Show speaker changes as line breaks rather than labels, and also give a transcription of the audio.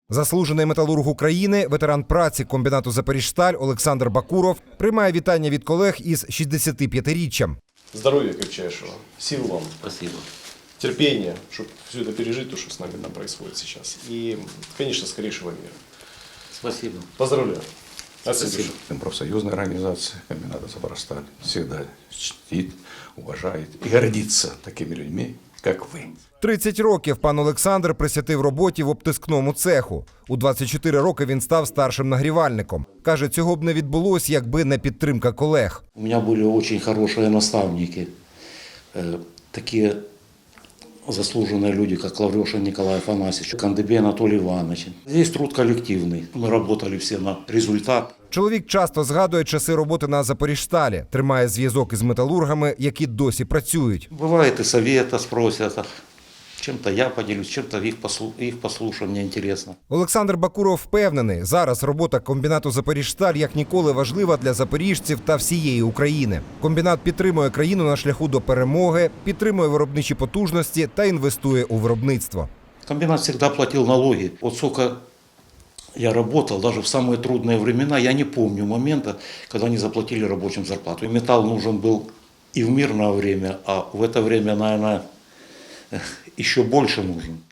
Заслужений металург України, ветеран праці комбінату «Запоріжсталь» Олександр Бакуров приймає вітання від колег із 65-річчям.
Здоровья крепчайшего, сил вам.
Спасибо.
Терпения, чтобы все это пережить, то, что с нами происходит сейчас. И, конечно, скорейшего мира.
Спасибо.
Поздравляю. От всей души.
Профсоюзная организация комбината «Запорожсталь» всегда чтит, уважает и гордится такими людьми, как вы.
30 років пан Олександр присвятив роботі в обтискному цеху. У 24 роки він став старшим нагрівальником. Каже, цього б не відбулося, якби не підтримка колег.
У меня были очень хорошие наставники, такие заслуженные люди, как Лаврешин Николай Афанасьевич, Кандыбей Анатолий Иванович. Здесь труд коллективный. Мы работали все на результат.
Чоловік часто згадує часи роботи на «Запоріжсталі», тримає зв'язок із металургами, які досі працюють.
Бывает и совета спросят, чем-то я поделюсь, чем-то их послушаю, мне интересно.
Олександр Бакуров впевнений, зараз робота комбінату «Запоріжсталь» як ніколи важлива для запоріжців та всієї України. Комбінат підтримує країну на шляху до перемоги, підтримує виробничі потужності та інвестує у виробництво.
Комбинат всегда платил налоги. Вот сколько я работал, даже в самые трудные времена, я не помню момента, когда они заплатили рабочим зарплату. И металл нужен был и в мирное время, а в это время, наверное, еще больше нужен.